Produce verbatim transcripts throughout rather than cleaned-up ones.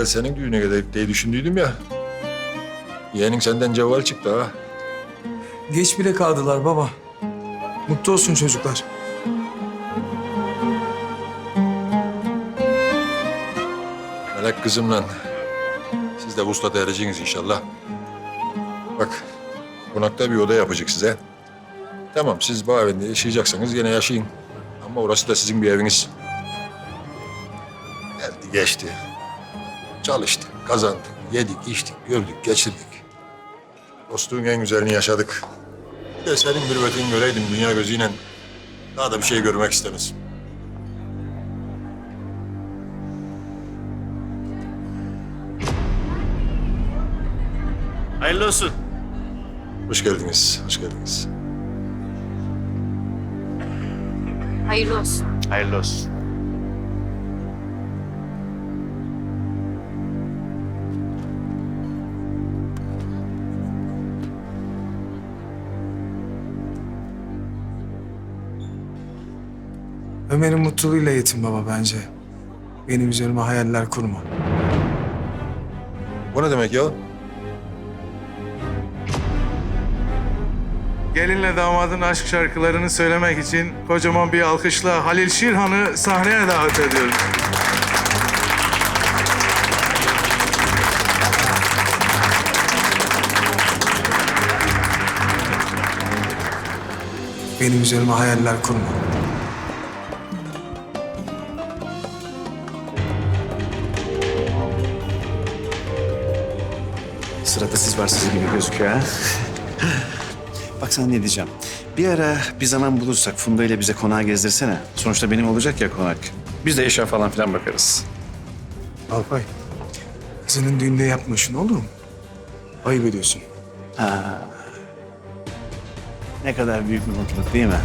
evvel senin düğüne gidelim diye düşündüydüm ya. Yeğenin senden cevval çıktı ha. Geç bile kaldılar baba. Mutlu olsun çocuklar. Melek kızımla siz de vuslata ereceksiniz inşallah. Bak, konakta bir oda yapacak size. Tamam, siz bu evinde yaşayacaksanız yine yaşayın. Ama orası da sizin bir eviniz. Geldi geçti. Çalıştık, kazandık, yedik, içtik, gördük, geçirdik. Dostluğun en güzelini yaşadık. Bir de senin mürüvvetini göreydim dünya gözüyle. Daha da bir şey görmek istemez. Hayırlı olsun. Hoş geldiniz, hoş geldiniz. Hayırlı olsun. Hayırlı olsun. Ömer'in mutluluğuyla yetin baba bence. Benim üzerime hayaller kurma. Bu ne demek ya? Gelinle damadın aşk şarkılarını söylemek için kocaman bir alkışla Halil Şirhan'ı sahneye davet ediyoruz. Benim üzerime hayaller kurma. Sırada siz varsınız gibi gözüküyor ha. Bak sana ne diyeceğim. Bir ara bir zaman bulursak Funda ile bize konağı gezdirsene. Sonuçta benim olacak ya konak. Biz de eşya falan filan bakarız. Alpay, kızının düğünde yapma şunu olur mu? Ayıp ediyorsun. Ha. Ne kadar büyük bir mutluluk değil mi?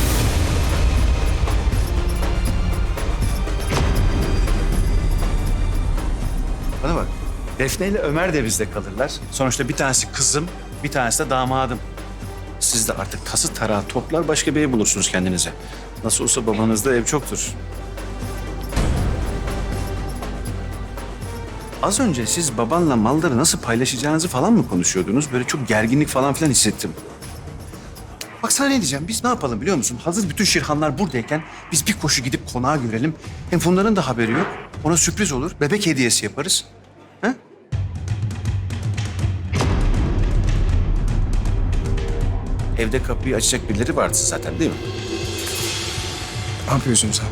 Bana bak. Defne ile Ömer de bizde kalırlar. Sonuçta bir tanesi kızım, bir tanesi de damadım. Siz de artık tası tarağı toplar başka bir ev bulursunuz kendinize. Nasıl olsa babanızda ev çoktur. Az önce siz babanla malları nasıl paylaşacağınızı falan mı konuşuyordunuz? Böyle çok gerginlik falan filan hissettim. Bak sana ne diyeceğim, biz ne yapalım biliyor musun? Hazır bütün Şirhanlar buradayken biz bir koşu gidip konağa görelim. Hem Funda'nın da haberi yok. Ona sürpriz olur, bebek hediyesi yaparız. Ha? Evde kapıyı açacak birileri vardı zaten değil mi? Ne yapıyorsun sen?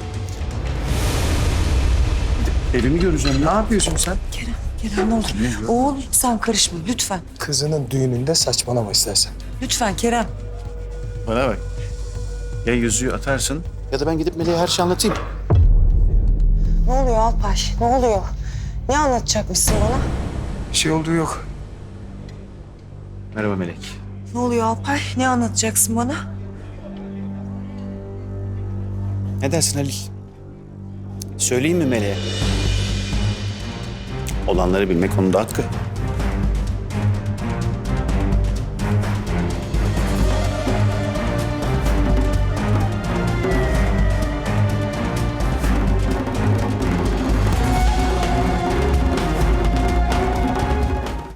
Evimi göreceğim. Ne yapıyorsun sen? Kerem, Kerem ne olur. Oğul sen karışma lütfen. Kızının düğününde saçmalama istersen. Lütfen Kerem. Bana bak. Ya yüzüğü atarsın ya da ben gidip Melek'e her şeyi anlatayım. Ne oluyor Alpay? Ne oluyor? Ne anlatacakmışsın bana? Bir şey olduğu yok. Merhaba Melek. Ne oluyor Alpay? Ne anlatacaksın bana? Ne dersin Halil? Söyleyeyim mi Melek'e? Olanları bilmek onun da hakkı.